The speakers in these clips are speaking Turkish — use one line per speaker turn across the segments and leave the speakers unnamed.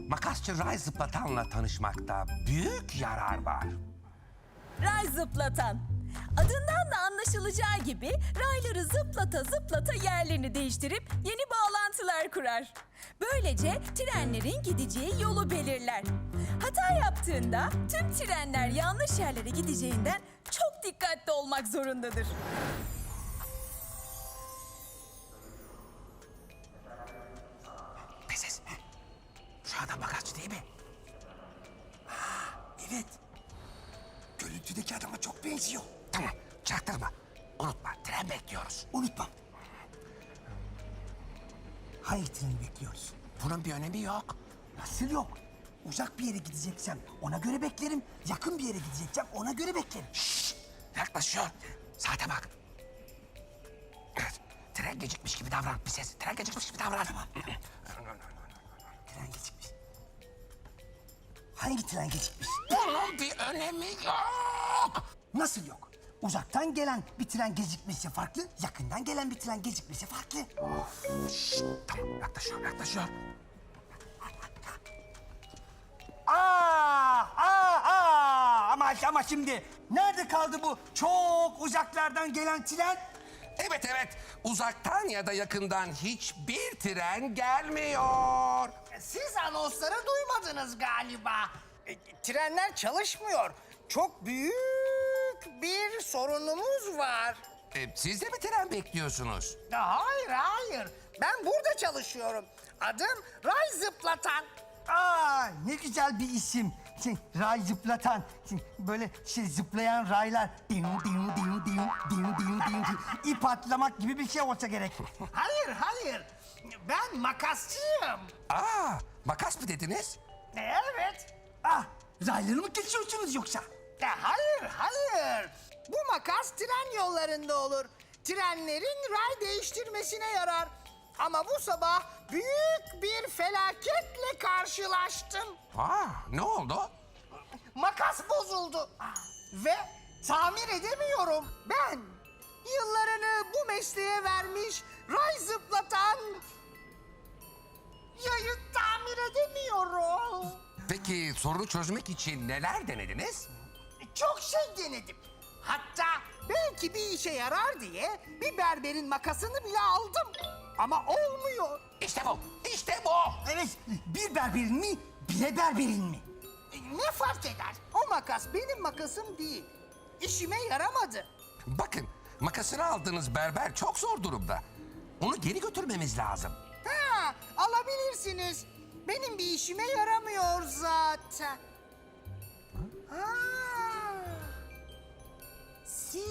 makasçı Ray Zıplatan'la tanışmakta büyük yarar var.
Ray zıplatan. Adından da anlaşılacağı gibi rayları zıplata zıplata yerlerini değiştirip yeni bağlantılar kurar. Böylece trenlerin gideceği yolu belirler. Hata yaptığında tüm trenler yanlış yerlere gideceğinden çok dikkatli olmak zorundadır.
Pesiz. Şu adam makasçı değil mi?
Evet. Görüntüdeki adama çok benziyor.
Tamam, çaktırma. Unutma, tren bekliyoruz.
Unutmam. Hangi treni bekliyoruz?
Bunun bir önemi yok.
Nasıl yok? Uzak bir yere gideceksem ona göre beklerim. Yakın bir yere gideceksem ona göre beklerim.
Şşş, yaklaşıyor. Saate bak. Evet, tren gecikmiş gibi davran. Bir ses, tren gecikmiş gibi davran.
Tamam. Tren gecikmiş. Hangi tren gecikmiş?
Bunun bir önemi yok.
Nasıl yok? Uzaktan gelen bir tren gecikmesi farklı, yakından gelen bir tren gecikmesi farklı.
Şşş, tamam, yaklaşıyor, yaklaşıyor.
Ama şimdi nerede kaldı bu çok uzaklardan gelen tren?
Evet, uzaktan ya da yakından hiçbir tren gelmiyor.
Siz anonsları duymadınız galiba. Trenler çalışmıyor. Çok büyük bir sorunumuz var.
Siz de mi tren bekliyorsunuz?
Hayır. Ben burada çalışıyorum. Adım Ray Zıplatan.
Ne güzel bir isim. Ray zıplatan. Böyle zıplayan raylar. İp atlamak gibi bir şey olsa gerek.
Hayır. Ben makasçıyım.
Makas mı dediniz?
Evet.
Rayları mı kesiyorsunuz yoksa?
Hayır. Bu makas tren yollarında olur. Trenlerin ray değiştirmesine yarar. Ama bu sabah büyük bir felaketle karşılaştım.
Ne oldu?
Makas bozuldu. Ve tamir edemiyorum. Ben yıllarını bu mesleğe vermiş ray zıplatan yayı tamir edemiyorum.
Peki sorunu çözmek için neler denediniz?
Çok şey denedim. Hatta belki bir işe yarar diye bir berberin makasını bile aldım. Ama olmuyor.
İşte bu.
Evet, bir berberin mi, bire berberin mi?
Ne fark eder? O makas benim makasım değil. İşime yaramadı.
Bakın, makasını aldığınız berber çok zor durumda. Onu geri götürmemiz lazım.
Alabilirsiniz. Benim bir işime yaramıyor zaten. Siz.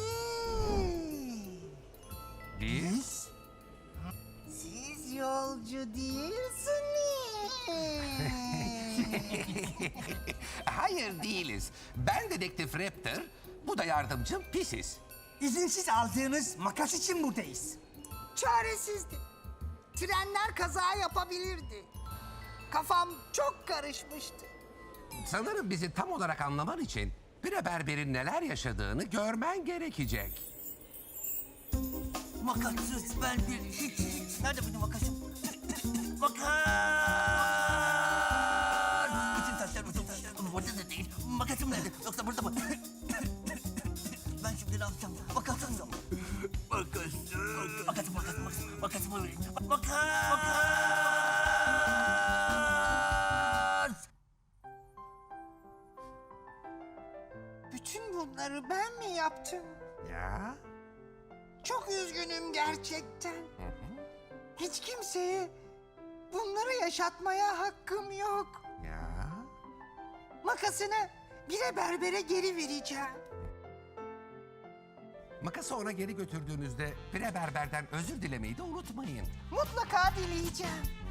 Biz?
Siz yolcu değilsiniz.
Hayır değiliz. Ben dedektif Raptor, bu da yardımcım Pisiz.
İzinsiz aldığınız makas için buradayız.
Çaresizdim. Trenler kaza yapabilirdi. Kafam çok karışmıştı.
Sanırım bizi tam olarak anlaman için bir berberin neler yaşadığını görmen gerekecek.
Makassız berber. Nerede benim makasım? Makas! Bütün taşlar burada da değil. Makasım nerede? Yoksa burada mı? Ben şimdi ne yapacağım? Makasım yok. Makasım. Makasım öyle. Makas!
Bütün bunları ben mi yaptım?
Ya?
Çok üzgünüm gerçekten. Hiç kimseye bunları yaşatmaya hakkım yok.
Ya?
Makasını bire berbere geri vereceğim.
Makası ona geri götürdüğünüzde bir berberden özür dilemeyi de unutmayın.
Mutlaka dileyeceğim.